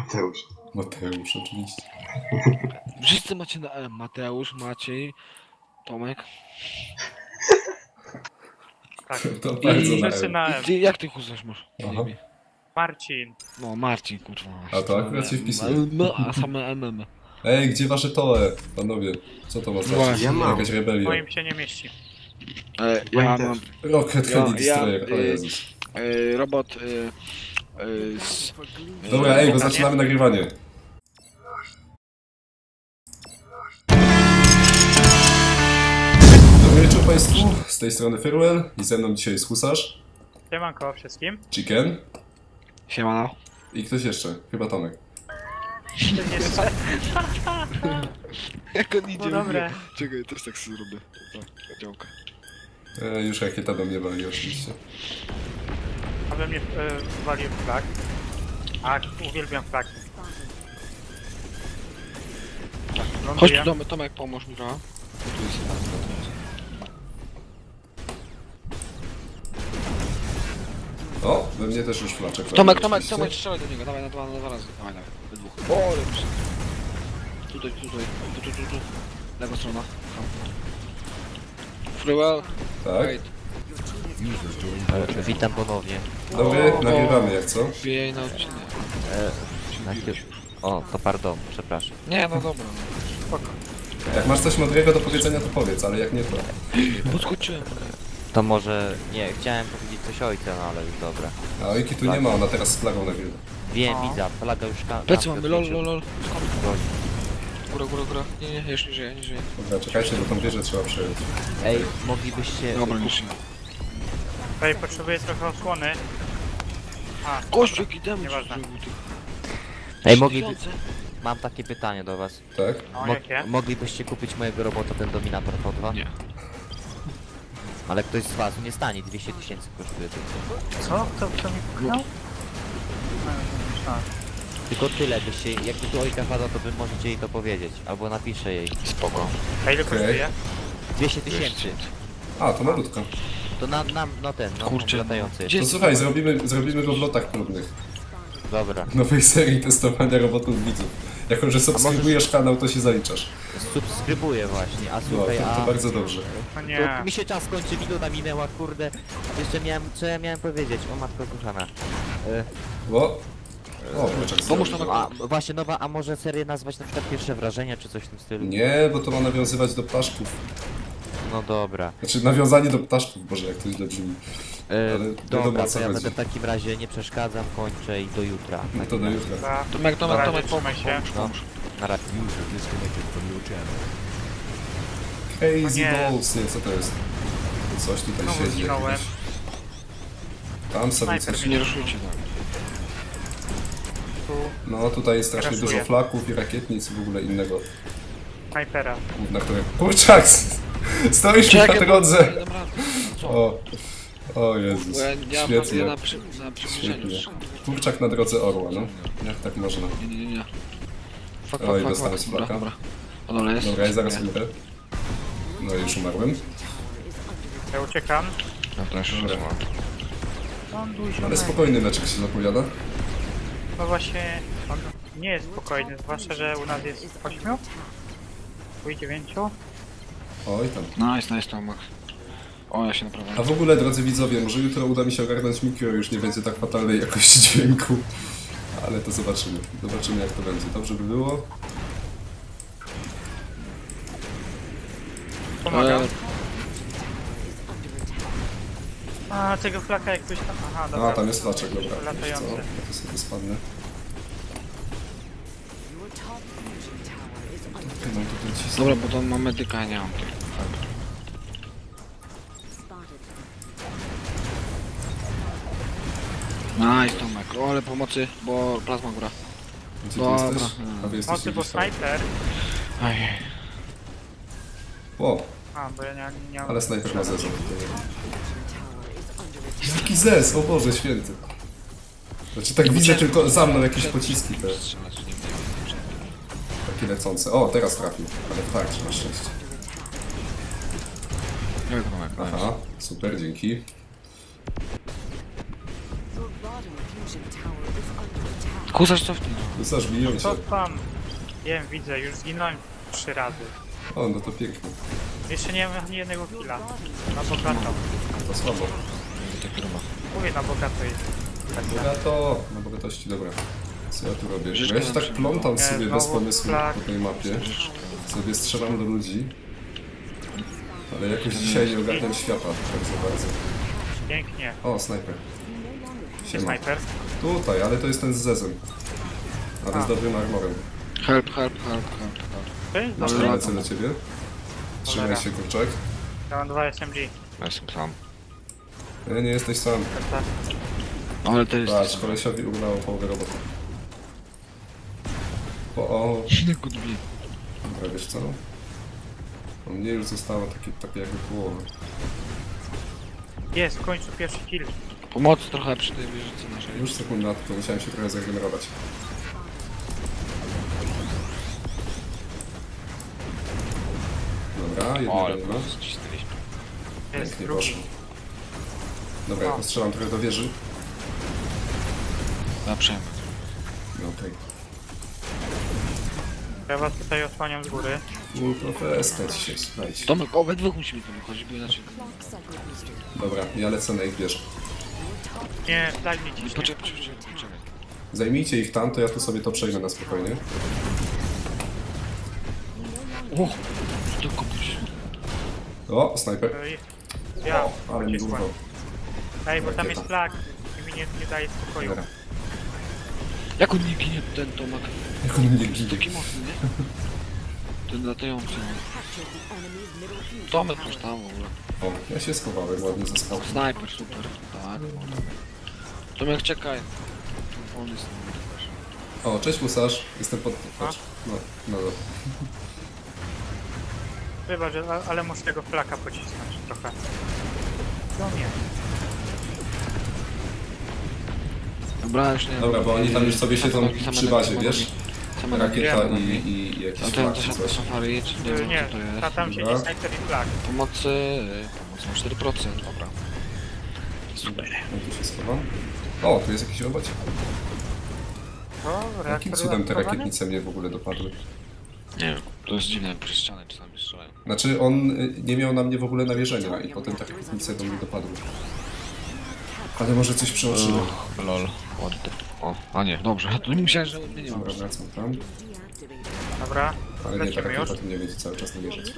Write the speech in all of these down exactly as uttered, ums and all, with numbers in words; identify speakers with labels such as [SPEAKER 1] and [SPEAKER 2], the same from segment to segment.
[SPEAKER 1] Mateusz.
[SPEAKER 2] Mateusz, oczywiście.
[SPEAKER 3] Wszyscy macie na M. Mateusz, Maciej, Tomek.
[SPEAKER 4] Tak.
[SPEAKER 2] To bardzo na
[SPEAKER 4] Wszyscy
[SPEAKER 2] M.
[SPEAKER 4] na
[SPEAKER 3] I
[SPEAKER 4] M.
[SPEAKER 3] ty, jak ty kuzasz masz? na
[SPEAKER 2] Aha.
[SPEAKER 3] imię?
[SPEAKER 4] Marcin.
[SPEAKER 3] No, Marcin, kurwa.
[SPEAKER 2] A to akurat się wpisuje.
[SPEAKER 3] No, a same M M.
[SPEAKER 2] Ej, gdzie wasze toe, panowie? Co to ma znaczyć?
[SPEAKER 3] Właśnie.
[SPEAKER 1] Ja mam.
[SPEAKER 2] Jakaś rebelia.
[SPEAKER 4] Moim się nie mieści.
[SPEAKER 3] E,
[SPEAKER 1] Ja
[SPEAKER 3] ja
[SPEAKER 1] też.
[SPEAKER 3] mam
[SPEAKER 2] Rocket
[SPEAKER 3] Ja-
[SPEAKER 2] Heavy
[SPEAKER 3] ja,
[SPEAKER 2] Destroyer, o
[SPEAKER 3] y,
[SPEAKER 2] Jezus.
[SPEAKER 3] e, robot e, e, z...
[SPEAKER 2] Dobra, ej, bo
[SPEAKER 4] Pytanie?
[SPEAKER 2] zaczynamy nagrywanie. Dobry wieczór państwu, z tej strony Firewell i ze mną dzisiaj jest Husarz,
[SPEAKER 4] Siemanko wszystkim.
[SPEAKER 2] Chicken
[SPEAKER 3] Siemano.
[SPEAKER 2] i ktoś jeszcze, chyba Tomek.
[SPEAKER 4] To jeszcze.
[SPEAKER 3] Jak on idzie?
[SPEAKER 4] No dobre.
[SPEAKER 3] Czekaj, też tak sobie zrobię. Tak, działka.
[SPEAKER 2] E, już rakieta do mnie wali oczywiście.
[SPEAKER 4] A we mnie y, walił flag. A uwielbiam flagi. Tak,
[SPEAKER 3] Chodź
[SPEAKER 4] ląduję.
[SPEAKER 3] tu, Tomek, Tomek, pomóż mi trochę. Tu jest.
[SPEAKER 2] O, we mnie też już flaczek wali,
[SPEAKER 3] Tomek, Tomek,
[SPEAKER 2] oczywiście.
[SPEAKER 3] Tomek, strzelaj do niego, dawaj na dwa, na dwa razy. Dawaj, dawaj, we dwóch. O, lepszy. Tutaj, tutaj, tu, tu, tu, tu. Lewa strona. Tam. Frywell,
[SPEAKER 2] Tak,
[SPEAKER 3] wait.
[SPEAKER 5] E, Witam ponownie.
[SPEAKER 2] dobry, nagrywamy jak co?
[SPEAKER 3] Wbijaj na odcinek.
[SPEAKER 5] E, najpierw... O, to pardon, przepraszam.
[SPEAKER 3] Nie, no dobra.
[SPEAKER 4] Spoko.
[SPEAKER 2] Jak masz coś mądrego do powiedzenia to powiedz, ale jak nie to...
[SPEAKER 3] Podskoczyłem.
[SPEAKER 5] To może... Nie, chciałem powiedzieć coś ojca, no ale już dobra.
[SPEAKER 2] A Ojki tu nie ma, ona teraz z flagą nagrywa.
[SPEAKER 5] Wiem,
[SPEAKER 4] O.
[SPEAKER 5] widzę, flaga już ka...
[SPEAKER 3] Plecy
[SPEAKER 5] kampę
[SPEAKER 3] mamy, lol,
[SPEAKER 5] odwrócił.
[SPEAKER 3] lol, lol.
[SPEAKER 5] Lol.
[SPEAKER 3] Góra, góra, góra. Nie, nie, jeszcze nie żyje, nie żyje.
[SPEAKER 2] Dobra, czekajcie, bo tą wieżę trzeba przejąć.
[SPEAKER 5] Ej, moglibyście...
[SPEAKER 3] Dobra, nie żyje.
[SPEAKER 4] Tutaj potrzebuję trochę osłony. A,
[SPEAKER 3] Gościu, jaki damage
[SPEAKER 4] Nieważne.
[SPEAKER 3] zrobił ty.
[SPEAKER 5] Ej, mogliby...
[SPEAKER 3] Tysiące.
[SPEAKER 5] Mam takie pytanie do was.
[SPEAKER 2] Tak?
[SPEAKER 4] o
[SPEAKER 5] Mo
[SPEAKER 4] jakie?
[SPEAKER 5] moglibyście kupić mojego robota, ten Dominator V dwa?
[SPEAKER 3] Nie.
[SPEAKER 5] Ale ktoś z was nie stanie, dwieście tysięcy kosztuje tylko.
[SPEAKER 4] Co? Kto, kto mi pchnął? No, myślałem.
[SPEAKER 5] Tylko tyle, byście... Jakby tu ojka pada, to wy możecie jej to powiedzieć. Albo napiszę jej.
[SPEAKER 3] Spoko.
[SPEAKER 4] A ile
[SPEAKER 2] Okej.
[SPEAKER 4] kosztuje?
[SPEAKER 5] dwieście tysięcy.
[SPEAKER 2] A, to malutko.
[SPEAKER 5] To na, na, no ten, no
[SPEAKER 3] Kurczę,
[SPEAKER 5] latający.
[SPEAKER 3] gdzie-
[SPEAKER 2] To słuchaj, zrobimy, zrobimy go w lotach próbnych.
[SPEAKER 5] Dobra.
[SPEAKER 2] Nowej serii testowania robotów widzów. Jako, że subskrybujesz kanał, to się zaliczasz.
[SPEAKER 5] Subskrybuję właśnie, a
[SPEAKER 2] No,
[SPEAKER 5] słuchaj,
[SPEAKER 2] to, to
[SPEAKER 5] a...
[SPEAKER 2] bardzo dobrze.
[SPEAKER 4] No
[SPEAKER 5] To
[SPEAKER 4] nie.
[SPEAKER 5] mi się czas kończy, minuta minęła, kurde. Jeszcze miałem, co ja miałem powiedzieć? O matko kochana. E,
[SPEAKER 2] O! O, kurczak
[SPEAKER 3] Pomóż
[SPEAKER 2] zrobił.
[SPEAKER 3] nam-
[SPEAKER 5] a właśnie nowa, a może serię nazwać na przykład pierwsze wrażenia, czy coś w tym stylu?
[SPEAKER 2] Nie, bo to ma nawiązywać do ptaszków.
[SPEAKER 5] No dobra.
[SPEAKER 2] Znaczy, nawiązanie do ptaszków, Boże, jak to źle brzmi.
[SPEAKER 5] E,
[SPEAKER 2] Ale wiadomo,
[SPEAKER 5] dobra,
[SPEAKER 2] o co
[SPEAKER 5] to ja
[SPEAKER 2] chodzi.
[SPEAKER 5] będę w takim razie nie przeszkadzam, kończę i do jutra. W
[SPEAKER 2] No to
[SPEAKER 5] takim
[SPEAKER 2] do
[SPEAKER 5] razie.
[SPEAKER 2] jutra.
[SPEAKER 4] Dobra.
[SPEAKER 3] Tomek, Tomek,
[SPEAKER 4] Na
[SPEAKER 3] Tomek,
[SPEAKER 4] razie,
[SPEAKER 3] pomóż,
[SPEAKER 4] trzymaj się.
[SPEAKER 3] pomóż, pomóż.
[SPEAKER 5] Na razie.
[SPEAKER 2] Crazy
[SPEAKER 4] O nie.
[SPEAKER 2] Balls, nie, co to jest? Coś tutaj
[SPEAKER 4] Znowu
[SPEAKER 2] siedzi
[SPEAKER 4] zginąłem.
[SPEAKER 2] jakieś. Tam sobie
[SPEAKER 4] Snajper
[SPEAKER 2] coś...
[SPEAKER 3] Nie ruszujcie tak.
[SPEAKER 4] Tu
[SPEAKER 2] No, tutaj jest strasznie
[SPEAKER 4] Krasuje.
[SPEAKER 2] dużo flaków i rakietnic i w ogóle innego
[SPEAKER 4] snajpera.
[SPEAKER 2] gówna, które... Kurczak! Stoisz mi na drodze!
[SPEAKER 3] Nie dam rady. Co?
[SPEAKER 2] O, o Jezus,
[SPEAKER 3] Bo ja, ja,
[SPEAKER 2] świetnie.
[SPEAKER 3] ja na, przy, na przybliżeniu.
[SPEAKER 2] Świetnie. Kurczak na drodze orła, no. Jak tak można?
[SPEAKER 3] Nie, nie, nie, nie. Fuck,
[SPEAKER 2] Oj,
[SPEAKER 3] fuck, fuck,
[SPEAKER 2] dostałem
[SPEAKER 3] fuck.
[SPEAKER 2] z
[SPEAKER 3] Dobra,
[SPEAKER 2] flaka.
[SPEAKER 3] dobra. O dole jest.
[SPEAKER 2] Dobra, ja zaraz
[SPEAKER 3] Nie.
[SPEAKER 2] umrę. No i już umarłem.
[SPEAKER 4] Ja uciekam.
[SPEAKER 3] No to jeszcze
[SPEAKER 2] Dobra.
[SPEAKER 3] raz.
[SPEAKER 4] Ląduj,
[SPEAKER 2] Ale
[SPEAKER 4] ziomek.
[SPEAKER 2] spokojny meczek się zapowiada.
[SPEAKER 4] No właśnie, on nie jest spokojny, zwłaszcza, że u nas jest ośmiu? U dziewięciu?
[SPEAKER 2] Oj tam.
[SPEAKER 3] Nice, nice, Tomek. O, ja się naprawdę...
[SPEAKER 2] A w ogóle, drodzy widzowie, może jutro uda mi się ogarnąć mikro, już nie będzie tak fatalnej jakości dźwięku. Ale to zobaczymy. Zobaczymy jak to będzie. Dobrze by było.
[SPEAKER 4] Pomagam.
[SPEAKER 3] E,
[SPEAKER 4] A, tego flaka jak ktoś tam... Aha, dobra.
[SPEAKER 2] A, tam jest flaczek, dobra. Wiesz co?
[SPEAKER 4] Latający.
[SPEAKER 2] Ja to sobie spadnę. No tutaj cisnę.
[SPEAKER 3] Dobra, bo to mam medyka, a nie mam tych. Nice, Tomek. O, ale pomocy, bo plazma góra.
[SPEAKER 2] Gdzie ty
[SPEAKER 3] Dobra.
[SPEAKER 2] jesteś? A wy jesteście
[SPEAKER 4] Mocy, bo
[SPEAKER 2] gdzieś tam.
[SPEAKER 4] snajper...
[SPEAKER 3] Ajej.
[SPEAKER 2] O,
[SPEAKER 4] A, bo ja nie, nie mam...
[SPEAKER 2] ale snajper ma zezon. Jaki zez, o Boże święty. Znaczy tak widzę tylko za mną jakieś pociski te
[SPEAKER 3] Strzelać, nie wiem.
[SPEAKER 2] takie lecące. O, teraz trafił, ale tak, na szczęście.
[SPEAKER 3] Nie wiem, Tomek.
[SPEAKER 2] Aha, super, dzięki.
[SPEAKER 3] Kusarz cofnij.
[SPEAKER 2] Husarz biją cię.
[SPEAKER 4] Co tam? Wiem, widzę, już zginąłem trzy razy.
[SPEAKER 2] O, no to pięknie.
[SPEAKER 4] Jeszcze nie mam ani jednego killa. Na bogato.
[SPEAKER 2] To słabo.
[SPEAKER 4] Mówię, na bogato jest.
[SPEAKER 2] Bogato! Na bogatości, dobra. Co ja tu robię? Bo
[SPEAKER 3] Życzkę
[SPEAKER 2] ja się
[SPEAKER 3] nam
[SPEAKER 2] tak
[SPEAKER 3] się-
[SPEAKER 2] plątam
[SPEAKER 4] Nie,
[SPEAKER 2] sobie bez
[SPEAKER 4] znowu
[SPEAKER 2] pomysłu
[SPEAKER 4] flag.
[SPEAKER 2] po tej mapie. Sobie strzelam do ludzi. Ale jakoś dzisiaj nie ogarniam świata tak za bardzo.
[SPEAKER 4] Pięknie.
[SPEAKER 2] O, snajper.
[SPEAKER 4] Gdzie
[SPEAKER 2] Siema.
[SPEAKER 4] snajper?
[SPEAKER 2] Tutaj, ale to jest ten z zezem. Ale z
[SPEAKER 4] A.
[SPEAKER 2] dobrym armorem.
[SPEAKER 3] Help, help, help, help, help.
[SPEAKER 4] To jest
[SPEAKER 2] Dobra,
[SPEAKER 4] dobry.
[SPEAKER 2] lecę do ciebie. Trzymaj
[SPEAKER 4] Cholera.
[SPEAKER 2] się, kurczak.
[SPEAKER 4] Ja mam dwa S M G.
[SPEAKER 3] Ja jestem sam.
[SPEAKER 2] Nie, nie jesteś sam.
[SPEAKER 4] Tak, tak.
[SPEAKER 3] Ale to jest...
[SPEAKER 2] Patrz, kolesiowi udało połowę roboty. O, o,
[SPEAKER 3] Good beat.
[SPEAKER 2] dobra, wiesz co? U mnie już zostało takie, takie jakby połowa.
[SPEAKER 4] Jest, w końcu pierwszy kill.
[SPEAKER 3] Pomocy trochę przy tej wieżycy naszej.
[SPEAKER 2] Już sekunda, to musiałem się trochę zregenerować. Dobra,
[SPEAKER 3] O, ale
[SPEAKER 2] jednego
[SPEAKER 3] po
[SPEAKER 2] nie ma.
[SPEAKER 3] prostu cisnęliśmy.
[SPEAKER 4] Jest
[SPEAKER 2] Pięknie
[SPEAKER 4] drugi.
[SPEAKER 2] poszło. Dobra, ja
[SPEAKER 4] O.
[SPEAKER 2] postrzelam trochę do wieży.
[SPEAKER 3] Na przejmę.
[SPEAKER 2] No okej.
[SPEAKER 4] Ja was tutaj osłaniam z góry.
[SPEAKER 2] Okay. Profeska dzisiaj, słuchajcie.
[SPEAKER 3] Tomek, obydwu musimy tu wychodzić, bo inaczej...
[SPEAKER 2] Dobra, ja lecę na ich wieżę.
[SPEAKER 4] Nie, daj mi ciśnie.
[SPEAKER 3] Poczekaj, poczekaj, poczekaj.
[SPEAKER 2] Zajmijcie ich tam, to ja tu sobie to przejmę na spokojnie.
[SPEAKER 3] O! To komuś.
[SPEAKER 2] O, snajper.
[SPEAKER 4] Ej, Ja,
[SPEAKER 2] Ale mi
[SPEAKER 4] pocisłem.
[SPEAKER 2] urwał.
[SPEAKER 4] Ej, bo tam
[SPEAKER 2] Rakieta.
[SPEAKER 4] jest flag i mi nie, nie daje spokoju.
[SPEAKER 2] Dobra.
[SPEAKER 3] Jak on nie ginie, ten Tomek?
[SPEAKER 2] Jak on mnie
[SPEAKER 3] Jest
[SPEAKER 2] ginie.
[SPEAKER 3] taki mocny, nie? Ten latający. Tomek już tam w ogóle.
[SPEAKER 2] O, ja się schowałem ładnie ze skał.
[SPEAKER 3] Snajper, super. Tak. Tomek, czekaj. On jest...
[SPEAKER 2] O, cześć Husarz. Jestem pod... Patrz. No, no, no.
[SPEAKER 4] Wybacz, a- ale muszę tego flaka pocisnąć trochę. Do mnie.
[SPEAKER 3] Dobra, już nie...
[SPEAKER 2] Dobra, bo oni tam już sobie siedzą
[SPEAKER 3] Same nogi, same
[SPEAKER 2] przy
[SPEAKER 3] nogi,
[SPEAKER 2] bazie,
[SPEAKER 3] same
[SPEAKER 2] wiesz?
[SPEAKER 3] nogi. Same nogi.
[SPEAKER 2] Rakieta
[SPEAKER 4] Wiem.
[SPEAKER 2] i, i, i
[SPEAKER 3] A
[SPEAKER 2] jakiś
[SPEAKER 3] ten
[SPEAKER 2] flag
[SPEAKER 3] też
[SPEAKER 2] czy coś.
[SPEAKER 3] safari, czy nie
[SPEAKER 4] Nie,
[SPEAKER 3] wiem
[SPEAKER 4] nie,
[SPEAKER 3] co to jest.
[SPEAKER 4] ta, tam siedzi
[SPEAKER 2] Dobra.
[SPEAKER 4] snajper i flag.
[SPEAKER 3] Pomocy... Pomoc ma cztery procent, dobra. Super.
[SPEAKER 2] Ja tu się schowam. O, tu jest jakiś robot.
[SPEAKER 4] O,
[SPEAKER 2] Jakim
[SPEAKER 4] reaktor
[SPEAKER 2] cudem te
[SPEAKER 4] reaktowany?
[SPEAKER 2] rakietnice mnie w ogóle dopadły?
[SPEAKER 3] Nie wiem, to jest dziwne, przez ścianę czasami strzelają.
[SPEAKER 2] Znaczy, on y, nie miał na mnie w ogóle nawierzenia i potem te rakietnice do mnie dopadły. Ale może coś przeoczyłem.
[SPEAKER 3] Lol, ładny. O, a nie, dobrze, to nie myślałem, że nie, nie mam.
[SPEAKER 2] Dobra, wracam tam.
[SPEAKER 4] Dobra,
[SPEAKER 2] Ale nie, ta
[SPEAKER 4] lecimy już.
[SPEAKER 2] rakieta tu mnie będzie cały czas nawierzać.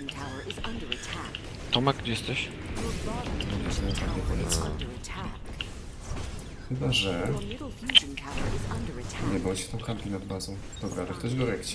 [SPEAKER 3] Tomek, gdzie jesteś?
[SPEAKER 2] Chyba, że... Nie, bo on się tam kampi nad bazą. Dobra, ale ktoś go rekci.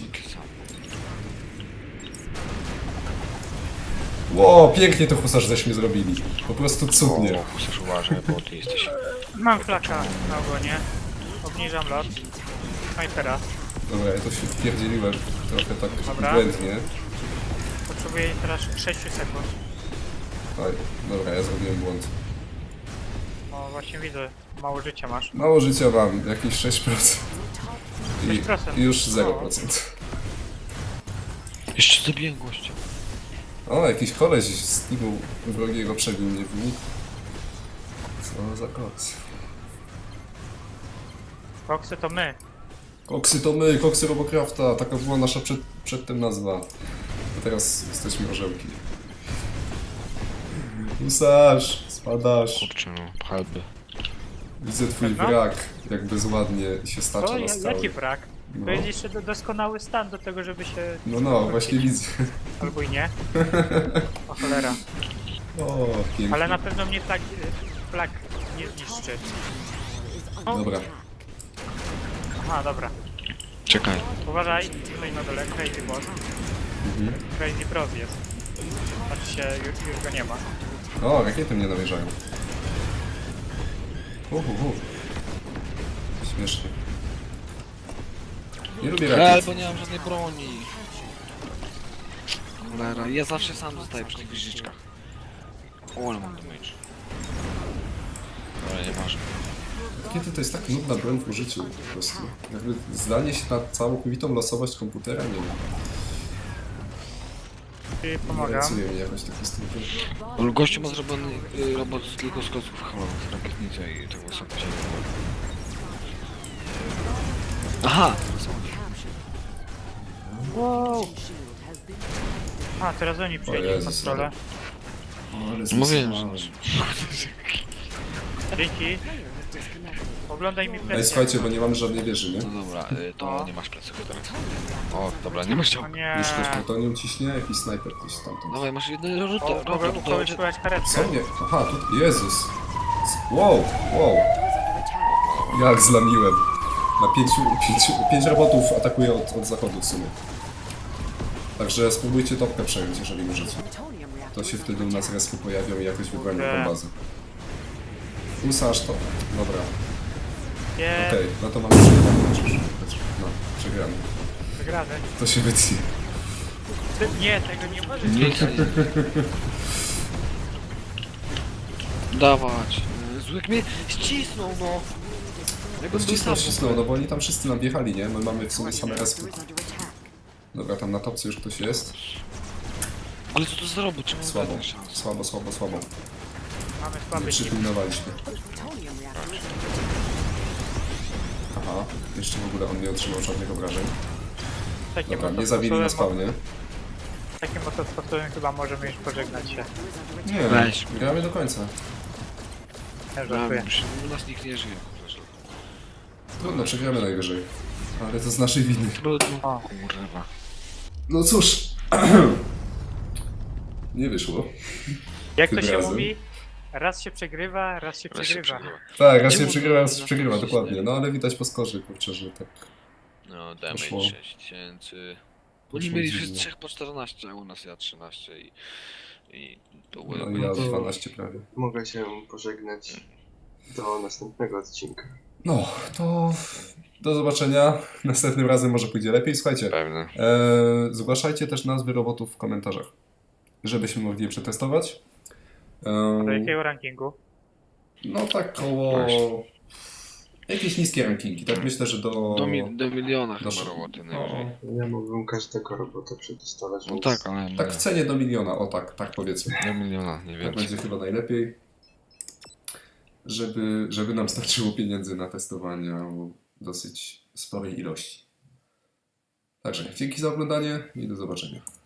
[SPEAKER 2] Ło, pięknie to Husarz żeśmy zrobili. Po prostu cudnie.
[SPEAKER 3] O, musisz uważać, bo ty jesteś...
[SPEAKER 4] Mam flaka na ogonie. Obniżam lot. Snajpera.
[SPEAKER 2] Dobra, ja to się wpierdzieliłem trochę tak
[SPEAKER 4] Dobra.
[SPEAKER 2] błędnie.
[SPEAKER 4] Potrzebuję teraz sześć sekund.
[SPEAKER 2] Oj, dobra, ja zrobiłem błąd.
[SPEAKER 4] O, właśnie widzę. Mało życia masz.
[SPEAKER 2] Mało życia mam, jakieś sześć procent.
[SPEAKER 4] sześć procent.
[SPEAKER 2] I już zero procent.
[SPEAKER 3] Jeszcze zabiłem gościa.
[SPEAKER 2] O, jakiś koleś z teamu wrogiego przebił mnie w nich. Co za koks.
[SPEAKER 4] Koksy to my.
[SPEAKER 2] Koksy to my, koksy Robocrafta, taka była nasza przed, przedtem nazwa. A teraz jesteśmy orzełki. Husarz, spadasz.
[SPEAKER 3] Kurczę, no, halby.
[SPEAKER 2] Widzę twój
[SPEAKER 4] Pewno?
[SPEAKER 2] wrak, jak bezładnie się stacza
[SPEAKER 4] To
[SPEAKER 2] na
[SPEAKER 4] ja-
[SPEAKER 2] skały.
[SPEAKER 4] jaki brak?
[SPEAKER 2] No.
[SPEAKER 4] To jest jeszcze do, doskonały stan do tego, żeby się...
[SPEAKER 2] No, no, właśnie widzę.
[SPEAKER 4] Albo i nie. O cholera.
[SPEAKER 2] O, pięknie.
[SPEAKER 4] Ale na pewno mnie flag, flag nie zniszczy. O,
[SPEAKER 2] Dobra,
[SPEAKER 4] aha, dobra.
[SPEAKER 3] Czekaj.
[SPEAKER 4] Uważaj, tutaj na dole Crazy Boss.
[SPEAKER 2] mhm.
[SPEAKER 4] Crazy Bros jest. Patrzcie, już, już go nie ma.
[SPEAKER 2] O, rakiety mnie namierzają. Uhuhu. Śmiesznie. Nie lubię
[SPEAKER 3] Hel,
[SPEAKER 2] rakiet.
[SPEAKER 3] bo nie mam żadnej broni. Cholera, ja zawsze sam zostaję przy tych wieżyczkach. O, ale mam damage. Ale nie ważne.
[SPEAKER 2] Rakiety to jest tak nudna broń w użyciu po prostu. Jakby zdanie się na całkowitą losowość komputera, nie wiem.
[SPEAKER 4] Czyli
[SPEAKER 2] Nie
[SPEAKER 4] pomagam.
[SPEAKER 2] racuje mi jakoś taki styl.
[SPEAKER 3] Ale gościu ma zrobiony y, robot tylko z klocków halowych, rakietnicy i tego sobie. Aha!
[SPEAKER 4] Wow. A, teraz oni przyjęli
[SPEAKER 2] Jezus,
[SPEAKER 4] kontrolę.
[SPEAKER 2] O, ale
[SPEAKER 3] Mówiłem,
[SPEAKER 2] zesrałem.
[SPEAKER 3] że...
[SPEAKER 4] Dzięki. Oglądaj mi
[SPEAKER 2] Ej,
[SPEAKER 4] presję.
[SPEAKER 2] słuchajcie, bo nie mamy żadnej wieży, nie?
[SPEAKER 3] No dobra, y, to
[SPEAKER 4] No.
[SPEAKER 3] nie masz plecy teraz. O, dobra, nie masz
[SPEAKER 4] O
[SPEAKER 3] ciągu.
[SPEAKER 4] nie.
[SPEAKER 2] Już ktoś plutonium ciśnie, jakiś snajper gdzieś stamtąd.
[SPEAKER 3] Dawaj, masz jedno rzut,
[SPEAKER 4] O, mogę u kogoś słychać karetkę.
[SPEAKER 2] Co mnie? Aha, tu... Jezus! Wow, wow! Jak zlamiłem. Na pięciu, pięciu, pięć robotów atakuje od, od zachodu w sumie. Także spróbujcie topkę przejąć, jeżeli możecie. To się wtedy u nas respy pojawią i jakoś wybronią tą bazę. Usarz to. Dobra,
[SPEAKER 4] Nie,
[SPEAKER 2] okej, no to mamy przegrane. No, przegramy.
[SPEAKER 4] wygrany.
[SPEAKER 2] To się wytnie.
[SPEAKER 4] Ty- Nie, tego nie możesz
[SPEAKER 3] Nie,
[SPEAKER 4] zrobić.
[SPEAKER 3] dawać. Y, Złyk mnie ścisnął, no. Jakbym był
[SPEAKER 2] Ścisnął,
[SPEAKER 3] sam.
[SPEAKER 2] ścisnął, no bo oni tam wszyscy nam wjechali, nie? My mamy w sumie same respy. Dobra, tam na topce już ktoś jest.
[SPEAKER 3] Ale co to zrobił? Czemu
[SPEAKER 2] Słabo,
[SPEAKER 3] dać szansę?
[SPEAKER 2] słabo, słabo, słabo.
[SPEAKER 4] Mamy
[SPEAKER 2] Nie
[SPEAKER 4] słaby team.
[SPEAKER 2] przypilnowaliśmy. Aha, jeszcze w ogóle on nie otrzymał żadnych obrażeń.
[SPEAKER 4] Takim
[SPEAKER 2] Dobra,
[SPEAKER 4] oto
[SPEAKER 2] nie zabili na
[SPEAKER 4] sposobem-
[SPEAKER 2] spawnie.
[SPEAKER 4] Takim oto sposobem chyba możemy już pożegnać się.
[SPEAKER 2] Nie,
[SPEAKER 3] Weź.
[SPEAKER 2] gramy do końca.
[SPEAKER 4] Ja
[SPEAKER 3] Ja,
[SPEAKER 4] żartuję.
[SPEAKER 3] u nas nikt nie żyje. Zresztą.
[SPEAKER 2] Trudno, przegramy najwyżej. Ale to z naszej winy.
[SPEAKER 3] Trudno.
[SPEAKER 4] O.
[SPEAKER 3] Kurwa.
[SPEAKER 2] No cóż. Nie wyszło.
[SPEAKER 4] Jak to
[SPEAKER 2] Tym
[SPEAKER 4] się
[SPEAKER 2] razem.
[SPEAKER 4] mówi? Raz się przegrywa, raz się
[SPEAKER 3] Raz się
[SPEAKER 4] przegrywa.
[SPEAKER 3] przegrywa.
[SPEAKER 2] Tak, raz
[SPEAKER 3] Nie
[SPEAKER 2] się
[SPEAKER 3] mów,
[SPEAKER 2] przegrywa, raz
[SPEAKER 3] że
[SPEAKER 2] się
[SPEAKER 3] na
[SPEAKER 2] przegrywa,
[SPEAKER 3] to
[SPEAKER 2] dokładnie.
[SPEAKER 3] źle.
[SPEAKER 2] No ale widać po skorze, kurczę, że tak.
[SPEAKER 3] No,
[SPEAKER 2] Poszło.
[SPEAKER 3] damage sześć tysięcy. Oni
[SPEAKER 2] Poszło
[SPEAKER 3] mieli
[SPEAKER 2] dziwnie.
[SPEAKER 3] wszyscy trzech po czternaście, a u nas ja trzynaście i... I to było...
[SPEAKER 2] No i ja dwanaście prawie.
[SPEAKER 1] Mogę się pożegnać do następnego odcinka.
[SPEAKER 2] No, to do zobaczenia. Następnym razem może pójdzie lepiej. Słuchajcie,
[SPEAKER 3] Pewne.
[SPEAKER 2] e, zgłaszajcie też nazwy robotów w komentarzach, żebyśmy mogli je przetestować. E,
[SPEAKER 4] Do jakiego rankingu?
[SPEAKER 2] no tak koło...
[SPEAKER 3] Właśnie.
[SPEAKER 2] Jakieś niskie rankingi, tak myślę, że do...
[SPEAKER 3] Do, mi, do miliona
[SPEAKER 2] do
[SPEAKER 3] chyba roboty
[SPEAKER 2] no,
[SPEAKER 3] najwyżej.
[SPEAKER 1] Ja mógłbym każdego robota przetestować,
[SPEAKER 3] No
[SPEAKER 1] więc
[SPEAKER 3] tak, ale...
[SPEAKER 2] tak w cenie do miliona, o tak, tak powiedzmy.
[SPEAKER 3] Do miliona, nie
[SPEAKER 2] Tak
[SPEAKER 3] więcej.
[SPEAKER 2] będzie chyba najlepiej, żeby, żeby nam starczyło pieniędzy na testowanie dosyć sporej ilości. Także dzięki za oglądanie i do zobaczenia.